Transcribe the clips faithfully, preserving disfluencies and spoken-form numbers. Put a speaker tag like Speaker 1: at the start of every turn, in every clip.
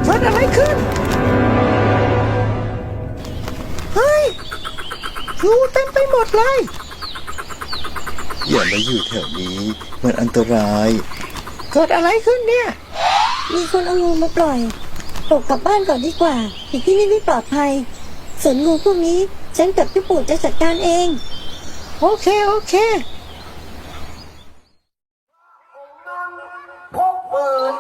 Speaker 1: เกิดอะไรขึ้นเฮ้ยงูเต็มไปหมดเลย
Speaker 2: อย่ามาอยู่แถวนี้มันอันตราย
Speaker 1: เกิดอะไรขึ้นเนี่ย
Speaker 3: มีคนเอางูมาปล่อยปลดกลับบ้านก่อนดีกว่าอยู่ที่นี่ไม่ปลอดภัยส่วนงูพวกนี้ฉันกับพี่ปู่จะจัดการเอง
Speaker 1: โอเคโอเคพกปืน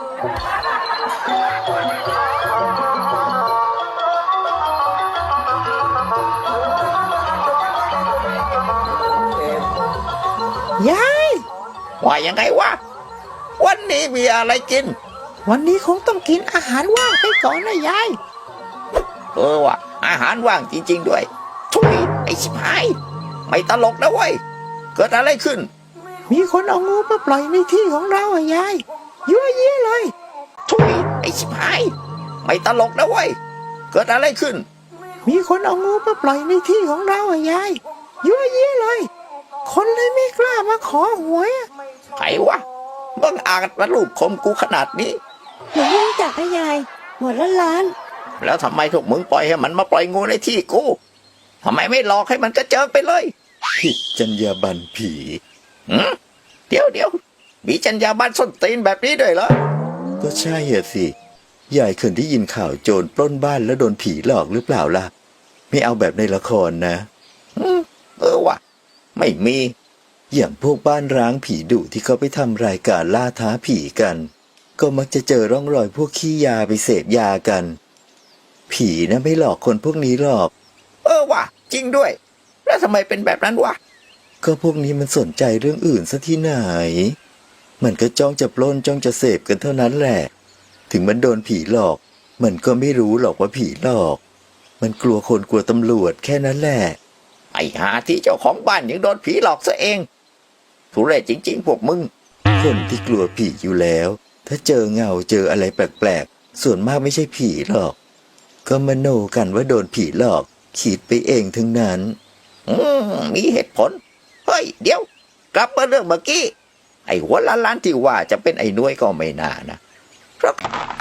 Speaker 1: ยาย
Speaker 4: ว่ายังไงวะวันนี้มีอะไรกิน
Speaker 1: วันนี้คงต้องกินอาหารว่างไปก่อนนะยาย
Speaker 4: เออว่ะอาหารว่างจริงๆด้วยทุยไอ้ชิบหายไม่ตลกนะเว้ยเกิดอะไรขึ้น
Speaker 1: มีคนเอางูมาปล่อยในที่ของเราอ่ะยายยั่วเยี่ยเลย
Speaker 4: ทุยไอ้ชิบหายไม่ตลกนะเว้ยเกิดอะไรขึ้น
Speaker 1: มีคนเอางูมาปล่อยในที่ของเราอ่ะยายยั่วเยี่ยเลยคนเลยไม่กล้ามาขอหวย
Speaker 4: ใครวะบังอาจมาลูบคมกูขนาดนี้
Speaker 3: หนูไม่รู้จักนะยายหมดล้านล้าน
Speaker 4: แล้วทำไมพวกมึงปล่อยให้มันมาปล่อยงูในที่กูทำไมไม่หลอกให้มันกระเจิงไปเลย
Speaker 2: ผิดจรรยาบรรณผี
Speaker 4: หืมเดี๋ยวเดี๋ยวมีจรรยาบรรณส้นตีนแบบนี้ด้วยเหรอ
Speaker 2: ก็ใช่เหรอสิยายเคยได้ยินข่าวโจรปล้นบ้านแล้วโดนผีหลอกหรือเปล่าล่ะไม่เอาแบบในละครนะ
Speaker 4: อืมเออว่ะไม่มี
Speaker 2: อย่างพวกบ้านร้างผีดุที่เขาไปทำรายการล่าท้าผีกันก็มักจะเจอร่องรอยพวกขี้ยาไปเสพยากันผีนะไม่หลอกคนพวกนี้หรอก
Speaker 4: เออว่ะจริงด้วยแล้วทำไมเป็นแบบนั้นวะ
Speaker 2: ก็พวกนี้มันสนใจเรื่องอื่นซะที่ไหนมันก็จ้องจะปล้นจ้องจะเสพกันเท่านั้นแหละถึงมันโดนผีหลอกมันก็ไม่รู้หรอกว่าผีหลอกมันกลัวคนกลัวตำรวจแค่นั้นแหละ
Speaker 4: ไอ้หาที่เจ้าของบ้านยังโดนผีหลอกซะเองทุเรศจริงๆพวกมึง
Speaker 2: คนที่กลัวผีอยู่แล้วถ้าเจอเงาเจออะไรแปลกๆส่วนมากไม่ใช่ผีหรอกก็มโนกันว่าโดนผีหลอกคิดไปเองทั้งนั้น
Speaker 4: อืมมีเหตุผลเฮ้ยเดี๋ยวกลับมาเรื่องเมื่อกี้ไอ้หัวล้านล้านที่ว่าจะเป็นไอ้น้วยก็ไม่น่านะครับ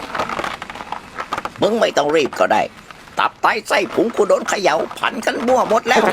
Speaker 4: มึงไม่ต้องรีบก็ได้ตับไตไส้พุงกูโดนเขย่าพันกันมั่วหมดแล้ว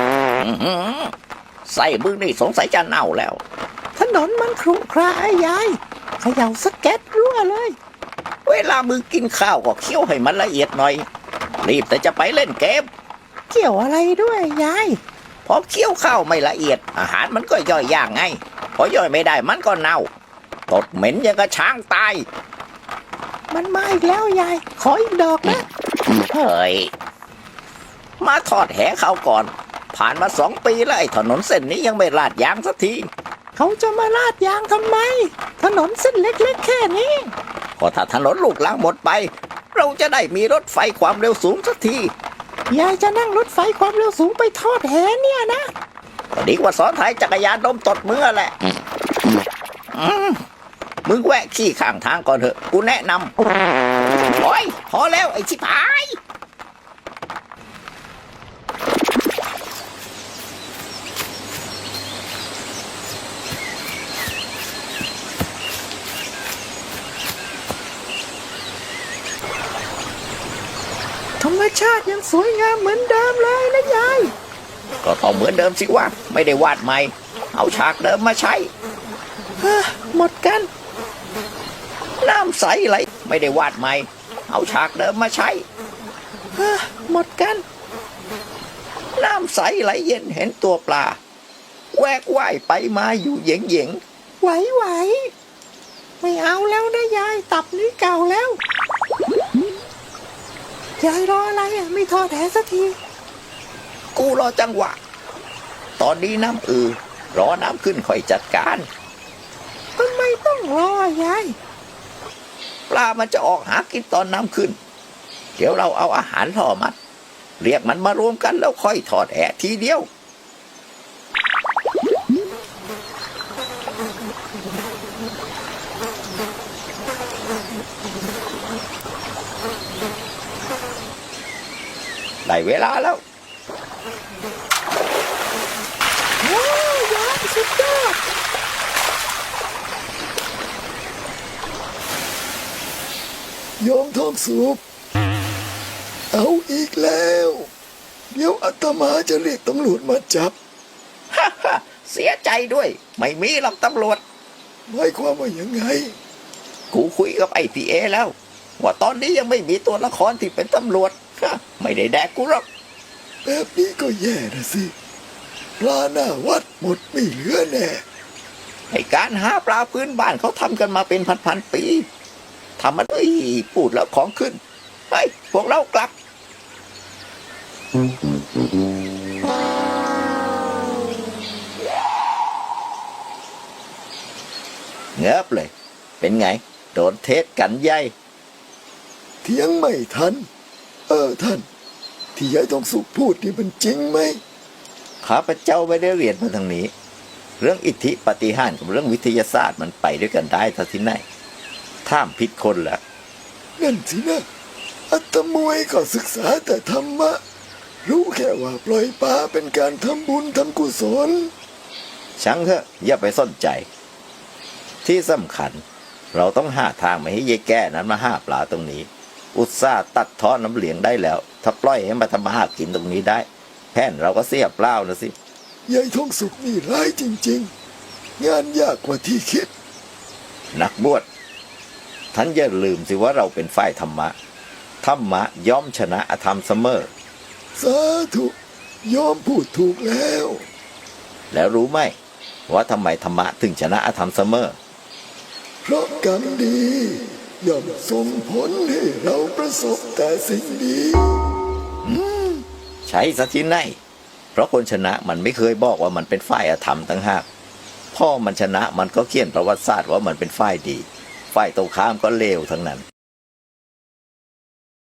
Speaker 4: ไส้มึงนี่สงสัยจะเน่าแล้ว
Speaker 1: ถนนมันครุขระไอ้ยายเขย่าสแก็ตรั่วเลย
Speaker 4: เวลามึงกินข้าวก็เคี้ยวให้มันละเอียดหน่อยรีบแต่จะไปเล่นเกม
Speaker 1: เกี่ยวอะไรด้วยยาย
Speaker 4: พอเคี้ยวข้าวไม่ละเอียดอาหารมันก็ย่อยยากไงพอย่อยไม่ได้มันก็เน่าตดเหม็นยังกระช้างตาย
Speaker 1: มันมาอีกแล้วยายขออีกดอกนะ
Speaker 4: เฮ้ยมาทอดแหข้าวก่อนผ่านมาสองปีแล้วไอ้ถนนเส้นนี้ยังไม่ลาดยางสักที
Speaker 1: เขาจะมาลาดยางทำไมถนนเส้นเล็กๆแค่นี้
Speaker 4: ก็ถ้าถนนลูกรังหมดไปเราจะได้มีรถไฟความเร็วสูงสักที
Speaker 1: ยายจะนั่งรถไฟความเร็วสูงไปทอดแหเนี่ยนะ
Speaker 4: ก็ดีกว่าซ้อนท้ายจักรยานดมตดมือแหละมึงแวะขี้ข้างทางก่อนเถอะกูแนะนำโอ้ยพอแล้วไอ้ชิบหาย
Speaker 1: ธรรมชาติยังสวยงามเหมือนเดิมเลยนะยาย
Speaker 4: ก็ต้องเหมือนเดิมสิวะไม่ได้วาดใหม่เอาฉากเดิมมาใช้
Speaker 1: หมดกัน
Speaker 4: น้ำใสไหลไม่ได้วาดใหม่เอาฉากเดิมมาใช้
Speaker 1: หมดกัน
Speaker 4: น้ำใสไหลเย็นเห็นตัวปลาแวกว่ายไปมาอยู่เหย่งเหย่ง
Speaker 1: ไหวไหวไม่เอาแล้วนะยายตับนี้เก่าแล้วยายรออะไรอ่ะไม่ทอดแหสักที
Speaker 4: กูรอจังหวะตอนนี้น้ำอือรอน้ำขึ้นค่อยจัดการ
Speaker 1: ทำไมต้องรอยาย
Speaker 4: ปลามันจะออกหากินตอนน้ำขึ้นเดี๋ยวเราเอาอาหารล่อมันเรียกมันมารวมกันแล้วค่อยทอดแหทีเดียวได้เวลาแล้ว
Speaker 1: ว้าวยายสุดยอด
Speaker 2: โยมทองสุขเอาอีกแล้ว เดี๋ยวอาตมาจะเรียกตำรวจมาจับ
Speaker 4: ฮ่าฮ่าเสียใจด้วย ไม่มีหรอกตำรวจ
Speaker 2: หมายความว่ายังไง
Speaker 4: กูคุยกับไอ้พีเอแล้ว ว่าตอนนี้ยังไม่มีตัวละครที่เป็นตำรวจฮะไม่ได้แดกกูหรอก
Speaker 2: แบบนี้ก็แย่นะสิปลาหน้าวัดหมดไม่เหลือแน่
Speaker 4: ไอ้การหาปลาพื้นบ้านเขาทำกันมาเป็นพันๆปีทำมันเอ้ยพูดแล้วของขึ้นไปพวกเรากลับ เงือบเลย เป็นไง โดนเทศกันใหญ่
Speaker 2: เถียงไม่ทัน เออท่าน ที่ยายทองสุขพูดนี่มันจริงไหม
Speaker 4: ข้าพเจ้าไม่ได้เรียนมาทางนี้ เรื่องอิทธิปาฏิหาริย์กับเรื่องวิทยาศาสตร์มันไปด้วยกันได้ท่าที่ไหนท่ามผิดคนละ
Speaker 2: นั่นสินะอาตมวยก็ศึกษาแต่ธรรมะ รู้แค่ว่าปล่อยปลาเป็นการทำบุญทำกุศล
Speaker 4: ช่างเถอะอย่าไปสนใจ ที่สำคัญ เราต้องหาทางไม่ให้เยแก่นั้นมาหาปลาตรงนี้ อุตส่าห์ตัดท่อน้ำเหลียงได้แล้ว ถ้าปล่อยให้มาทำมาหากินตรงนี้ได้แผนเราก็เสียเปล่านะสิ
Speaker 2: ยายทองสุขนี่ร้ายจริงๆ งานยากกว่าที่คิด
Speaker 4: นักบวชท่านอย่าลืมสิว่าเราเป็นฝ่ายธรรมะธรรมะย่อมชนะอธรรมเสมอ
Speaker 2: สาธุยอมพูดถูกแล้ว
Speaker 4: แล้วรู้ไหมว่าทำไมธรรมะถึงชนะอธรรมเสมอ
Speaker 2: เพราะกรรมดีย่อมส่งผลให้เราประสบแต่สิ่งดี
Speaker 4: ใช้ซะที่ไหนเพราะคนชนะมันไม่เคยบอกว่ามันเป็นฝ่ายอธรรมตั้งหากพ่อมันชนะมันก็เขียนประวัติศาสตร์ว่ามันเป็นฝ่ายดีฝ่ายตรงข้ามก็เลวทั้งนั้น